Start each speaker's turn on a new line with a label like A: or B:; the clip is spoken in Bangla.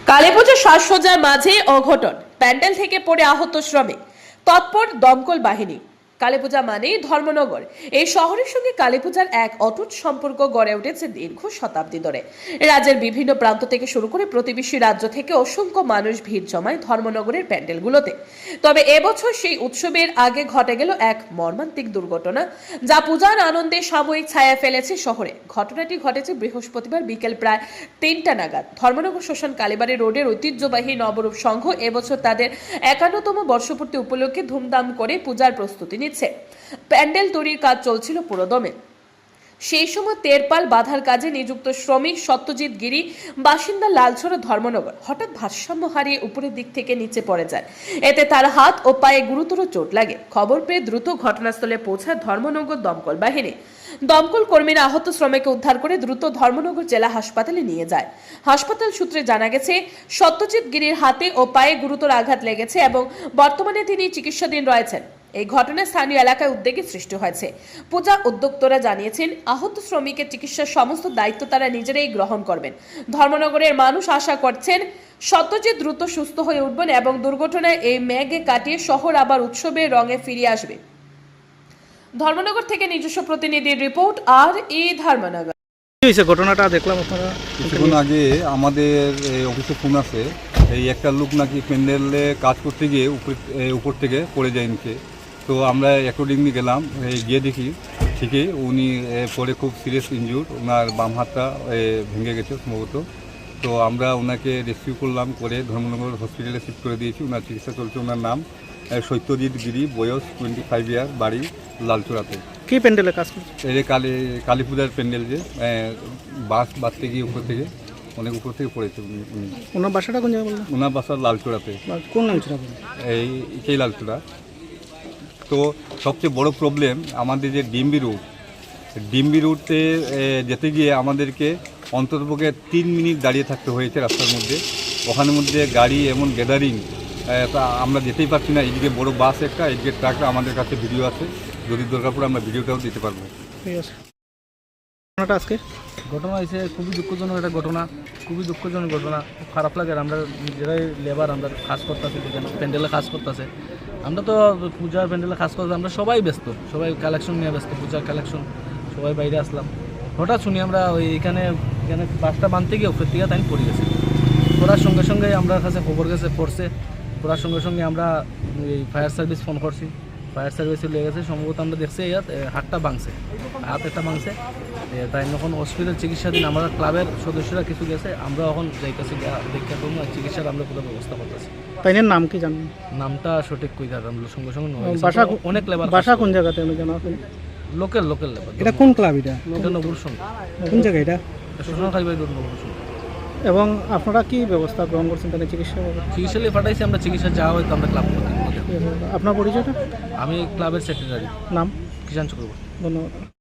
A: কালীপুজোর সাজসজ্জার মাঝে অঘটন, প্যান্ডেল থেকে পড়ে আহত শ্রমিক, তৎপর দমকল বাহিনী। কালীপূজা মানেই ধর্মনগর। এই শহরের সঙ্গে কালীপূজার এক অটুট সম্পর্ক গড়ে উঠেছে দীর্ঘ শতাব্দী ধরে। রাজ্যের বিভিন্ন প্রান্ত থেকে শুরু করে প্রতিবেশী রাজ্য থেকে অসংখ্য মানুষ ভিড় জমায় ধর্মনগরের প্যান্ডেলগুলোতে। তবে এবছর সেই উৎসবের আগে ঘটে গেল এক মর্মান্তিক দুর্ঘটনা, যা পূজার আনন্দে সাময়িক ছায়া ফেলেছে শহরে। ঘটনাটি ঘটেছে বৃহস্পতিবার বিকেল প্রায় ৩টা নাগাদ। ধর্মনগর শ্মশান কালীবাড়ি রোডের ঐতিহ্যবাহী নবরূপ সংঘ এবছর তাদের ৫১তম বর্ষপূর্তি উপলক্ষে ধুমধাম করে পূজার প্রস্তুতি নিচ্ছে। প্যান্ডেল তৈরির কাজ চলছিল পুরোদমে। সেই সময় তেরপাল বাঁধার কাজে নিযুক্ত শ্রমিক সত্যজিৎ গিরি, বাসিন্দা লালছড়া ধর্মনগর, হঠাৎ ভারসাম্য হারিয়ে উপরের দিক থেকে নিচে পড়ে যায়। এতে তার হাত ও পায়ে গুরুতর চোট লাগে। খবর পেয়ে দ্রুত ঘটনাস্থলে পৌঁছায় ধর্মনগর দমকল বাহিনী। দমকল কর্মীরা আহত শ্রমিককে উদ্ধার করে দ্রুত ধর্মনগর জেলা হাসপাতালে নিয়ে যায়। হাসপাতাল সূত্রে জানা গেছে, সত্যজিৎ গিরির হাতে ও পায়ে গুরুতর আঘাত লেগেছে এবং বর্তমানে তিনি চিকিৎসাধীন রয়েছেন। এই ঘটনায় স্থানীয় এলাকায় উদ্বেগের সৃষ্টি হয়েছে। পূজা উদ্যোক্তারা জানিয়েছেন, আহত শ্রমিকের চিকিৎসার সমস্ত দায়িত্ব তারা নিজেরাই গ্রহণ করবেন। ধর্মনগরের মানুষ আশা করছেন সত্যজিৎ দ্রুত সুস্থ হয়ে উঠবেন এবং দুর্ঘটনায় এই মেঘে কাটিয়ে শহর আবার উৎসবের রঙে ফিরে আসবে। ধর্মনগর থেকে নিজস্ব প্রতিনিধির রিপোর্ট। আর এই ধর্মনগর
B: ঘটনাটা দেখলাম আপনারা
C: কিছুক্ষণ আগে আমাদের অফিসে ফোন আছে, এই একটা লোক নাকি প্যান্ডেলে কাজ করতে গিয়ে উপর থেকে পড়ে যায় নিচে। তো আমরা অ্যাকর্ডিংলি গেলাম, গিয়ে দেখি ঠিকই উনি পরে খুব সিরিয়াস ইনজুর, ওনার বাম হাতটা ভেঙে গেছে সম্ভবত। তো আমরা ওনাকে রেস্কিউ করলাম, করে ধর্মনগর হসপিটালে শিফট করে দিয়েছি। ওনার চিকিৎসা চলছে। ওনার নাম সত্যজিৎ গিরি, বয়স 25 ইয়ার, বাড়ি লালচূড়াতে।
B: কি প্যান্ডেলে কাজ করছে?
C: এই কালী পূজার প্যান্ডেল, যে বাস বাঁধতে গিয়ে উপর থেকে অনেক উপর থেকে পড়েছে।
B: ওনার বাসাটা কোন জায়গায় বললেন?
C: ওনার বাসা লালচূড়াতে।
B: কোন লালচূড়া?
C: এই লালচূড়া। তো সবচেয়ে বড় প্রবলেম আমাদের যে ডিম্বি রুটে যেতে গিয়ে আমাদেরকে অন্ততপক্ষে 3 মিনিট দাঁড়িয়ে থাকতে হয়েছে রাস্তার মধ্যে। ওখানের মধ্যে গাড়ি এমন গ্যাদারিং, তা আমরা যেতেই পারছি না। এইদিকে বড় বাস একটা, এইদিকে ট্রাকটা। আমাদের কাছে ভিডিও আছে, যদি দরকার পড়ে আমরা ভিডিওটাও দিতে পারবো।
B: ঠিক আছে। ঘটনাটা আজকে
D: ঘটনা হয়েছে খুবই দুঃখজনক একটা ঘটনা, খুবই দুঃখজনক ঘটনা। খুব খারাপ লাগে। আমরা নিজেরাই লেবার, আমরা কাজ করতেছি, প্যান্ডেলে কাজ করতেছে। আমরা তো পূজার প্যান্ডেলে কাজ করতে আমরা সবাই ব্যস্ত, সবাই কালেকশন নিয়ে ব্যস্ত, পূজার কালেকশন। সবাই বাইরে আসলাম, হঠাৎ শুনি আমরা এখানে বাসটা বাঁধতে গিয়ে উপর থেকে তাই পড়ে গেছে। পড়ার সঙ্গে সঙ্গে আমরা কাছে খবর পড়ছে। পড়ার সঙ্গে সঙ্গে আমরা ফায়ার সার্ভিস ফোন করছি। ফায়ার সার্ভিসে লেগেছে। সম্ভবত আমরা দেখছি হাতটা ভাঙছে, হাত একটা ভাঙছে। তাই এখন হসপিটাল চিকিৎসাধীন। আমরা ক্লাবের সদস্যরা কিছু গেছে, আমরা এখন যাইতেছি দেখা করবো চিকিৎসার আমরা পুরো ব্যবস্থা করতেছি।
B: তাইনের নাম কি জানেন?
D: নামটা সঠিক কই দাঁড়ান সঙ্গে সঙ্গে
B: বাসা
D: অনেক লেবার।
B: বাসা কোন জায়গাতে আমি জানা আছে?
D: Local labour.
B: এটা কোন ক্লাব? এটা
D: নবুর সঙ্গে।
B: কোন জায়গা এটা?
D: শ্মশান কালীবাড়ি রোড, নবুর সঙ্গে।
B: এবং আপনারা কি ব্যবস্থা গ্রহণ করছেন তাদের
D: চিকিৎসালয়ে পাঠাইছি আমরা। চিকিৎসা যাওয়া হয়তো আমরা ক্লাব করতে।
B: আপনার পরিচয়টা?
D: আমি ক্লাবের সেক্রেটারি।
B: নাম?
D: কিষাণ চক্রবর্তী।
B: ধন্যবাদ।